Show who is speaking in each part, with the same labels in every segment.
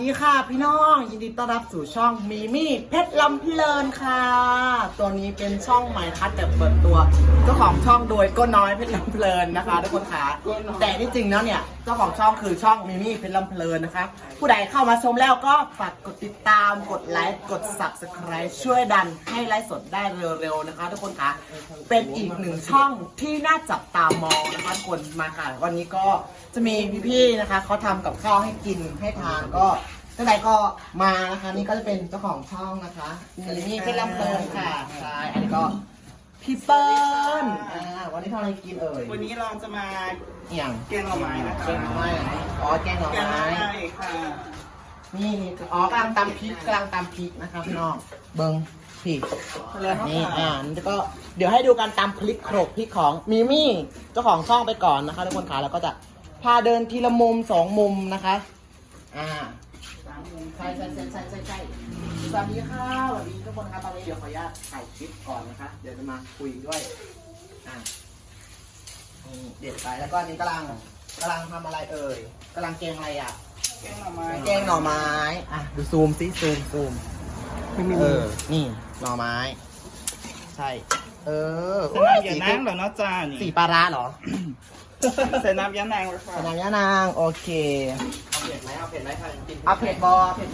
Speaker 1: สวัสดีค่ะพี่น้องยินดีต้อนรับสู่ช่องมีมี่เพชรลำเพลินค่ะตัวนี้เป็นช่องใหม่ทัดแบบเปิดตัวเจ้าของช่องโดยก็น้อยเพชรลำเพลินนะคะทุกคนค่ะแต่ที่จริงแล้วเนี่ยเจ้าของช่องคือช่องมีมี่เพชรลำเพลินนะคะผู้ใดเข้ามาชมแล้วก็ฝากกดติดตามกดไลค์กด Subscribe ช่วยดันให้ไลฟ์สดได้เร็วๆนะคะทุกคนค่ะเป็นอีกหนึ่งช่องที่น่าจับตามองนะคะทุกคนมาค่ะวันนี้ก็จะมีพี่ๆนะคะเขาทำกับข้าวให้กินให้ทานก็ท่านใดก็มานะคะนี่ก็จะเป็นเจ้าของช่องนะคะนี่เป็นลำเพลินค่ะใช่อันนี้ก็พี่เปิ้ลวันนี้ทำอะไรกินเอ่ย
Speaker 2: วันนี้เราจะมา
Speaker 1: อย่าง
Speaker 2: แกงหน่อไม้นะคะ
Speaker 1: แกงหน่อไม้อ๋อแกงหน่อ
Speaker 2: แกงหน่อ
Speaker 1: ไม้
Speaker 2: ไม้ค่ะ
Speaker 1: นี่อ๋อกำลังตำพริกนะคะพี่น้องเบิ้งพี่นี่นี่ก็เดี๋ยวให้ดูการตำพริกโขลกพริกของมิมี่เจ้าของช่องไปก่อนนะคะทุกคนค่ะแล้วก็จะพาเดินทีละมุม2 มุมนะคะใช่สวัสดีค่ะสวัสดีทุกคนครับตอนนี้เดี๋ยวขออนุญาตถ่ายคลิปก่อนนะคะเดี๋ยวจะมาคุยด้วยเด็ดไปแล้วก็นี่กำลังทำอะไรเอ่ยกำลังแกงอะไรอ่ะ
Speaker 2: แกงหน่อไม้
Speaker 1: แกงหน่อไม้ดูซูมซิซูมนี่หน่อไม้ใช่
Speaker 2: ใส่น้ำยานางเหรอเนาะจ้านี่
Speaker 1: สีปลาร้าเหรอ
Speaker 2: ใส่น้ำยานางเลยค่ะ
Speaker 1: สนามย่านางโอเคเอาเผ็ดไหมค่ะเอาเผ็ดบอเอาเผ็ด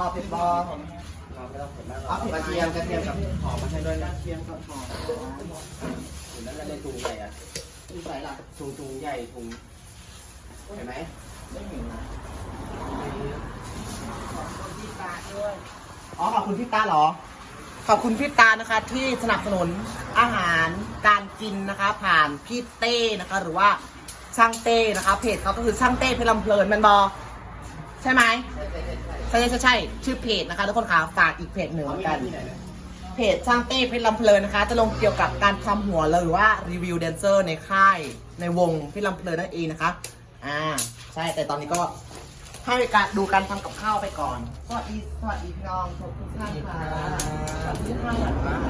Speaker 1: กระเทียมกับหอมมาให้ด้วยนะกระเทียมกับหอมอยู่นั่นในถุงใหญ่อะถุงใส่ละถุงใหญ่ถุงเห็นไหมไม่เห็นนะขอบคุณพี่ตาด้วยขอบคุณพี่ตาเหรอขอบคุณพี่ตานะคะที่สนับสนุนอาหารการกินนะคะผ่านพี่เต้นะคะหรือว่าช่างเต้นะคะเพจเขาก็คือช่างเต้เพชรลำเพลินมันบอใช่ไหมใช่ชื่อเพจนะคะทุกคนค่ะฝากอีกเพจหนึ่งกันเพจช่างเต้เพชรลำเพลินนะคะจะลงเกี่ยวกับการทำหัวหรือว่ารีวิวแดนเซอร์ในค่ายในวงเพชรลำเพลินนั่นเองนะคะใช่แต่ตอนนี้ก็ให้การดูการทำกับข้าวไปก่อนสวัสดีพี่น้องทุกท่านค่ะสวัสดีค่ะ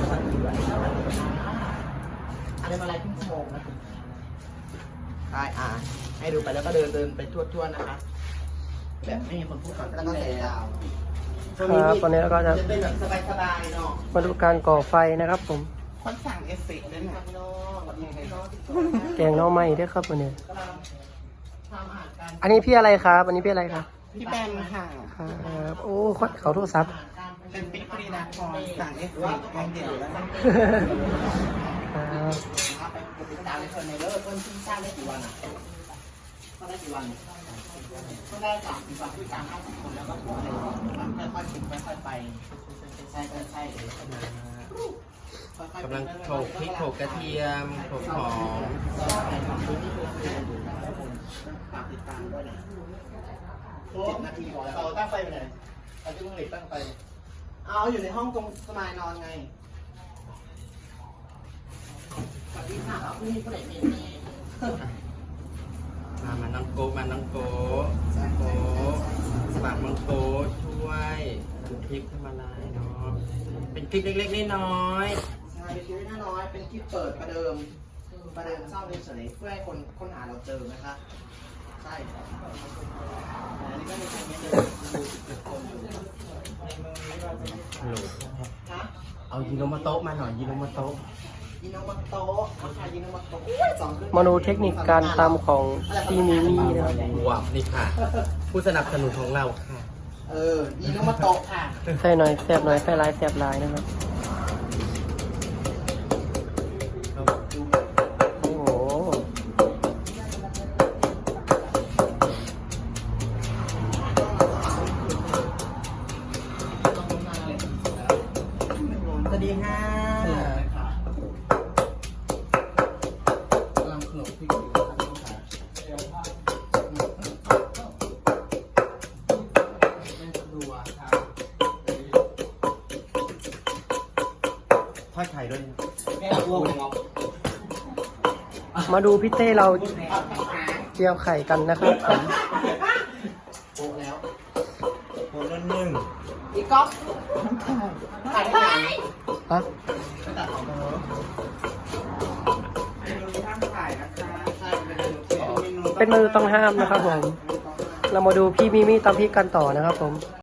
Speaker 1: อะไรมาอะไรเพิ่งโมงนะใช่ให้ดูไปแล้วก็เดินไปทั่วๆนะคะแบบไม่มีคนพูดก่อนแล้วก็ใส่ดาว
Speaker 3: ครับตอนนี้เราก็จะ
Speaker 1: เป็นแบบสบายๆเนาะ
Speaker 3: มาดูการก่อไฟนะครับผม
Speaker 2: คนสั่งเอฟเฟกต์ด้วยนะ
Speaker 1: พี่น้องสวัสดีครับ
Speaker 3: แกงหน่อไม้ด้วยครับวันนี้
Speaker 1: กำลังทำอาหารกัน
Speaker 3: อันนี้พี่อะไรครับอันนี้พี่อะไรครับ
Speaker 2: พี่แบมค่ะ
Speaker 3: ครับโอ้เขาโทรศัพท์
Speaker 2: เป็นปิ๊กปรีนาครสั่งเอฟเฟกต์แกงเดี่ยวแล้วนะ
Speaker 3: ครับ
Speaker 1: ไปกดติดตามในเพื่อนในเลิศเพื่อนที่สร้างได้กี่วันก็ได้กี่วันก็ได้30 วันที่50 คนแล้วก็หัวเลยค่อยๆกินค่อยๆไปใช่
Speaker 4: กำลังโขลกพริกโขลกกระเทียมโขลกหอม
Speaker 1: ฝากติดตามด้วยนะ7 นาทีพอแล้วตั้งไฟไปไหนเอาที่ต้องหลีกตั้งไฟเอาอยู่ในห้องตรงสมายนอนไงสวัสดีค่ะเอาผู้นี้ผู้ใดมี
Speaker 4: มาน้องโก้มาน้องโก้สมัครน้องโก้ช่วยพริกขึ้นมาลายเนาะเป็นพริกเล็กๆน้อย
Speaker 1: ใช่เป็นคลิปน้อยเป็นคลิปเปิดประเดิมเศร้าเฉยๆเพื่อให้คนค้นหาเราเจอนะคะใช่อันนี้ก็มีคนเยอะคนอยู่
Speaker 4: ๆฮัลโหล
Speaker 1: ฮะ
Speaker 4: เอายิโนมาโตะมาหน่อยยิโนมาโตะ
Speaker 1: ยินโนมาโตะค่ะยินโนมาโตะ
Speaker 3: มาดูเทคนิคการตำของพี่มิมี่นะครับ
Speaker 4: ว้าวนี่ค่ะ ผู้สนับสนุนของเราค่ะ
Speaker 1: ยินโนมาโตะค่ะ
Speaker 3: ใส่หน่อยแสบหน่อยใส่ลายแสบลายนะครับโอ้โห
Speaker 1: สวัสดีค่ะกำลังขนมพริกอยู่
Speaker 4: ทอดไข่ด้วยนะ
Speaker 3: มาดูพี่เต้เราเจียวไข่กันนะครับผม
Speaker 1: โปะแล้ว
Speaker 4: โคนละหนึ่ง
Speaker 1: อีกก๊อกถ่ายได้ไหม
Speaker 3: ฮะ
Speaker 1: ตัดออกมา
Speaker 2: เมนูที่ห้ามถ่ายนะคะ
Speaker 1: ใช่เป็นเมนูที่
Speaker 3: เป็นมือต้องห้ามนะครับผม
Speaker 1: ต้อง
Speaker 3: เรามาดูพี่มิมี่ตำพริกกันต่อนะครับผม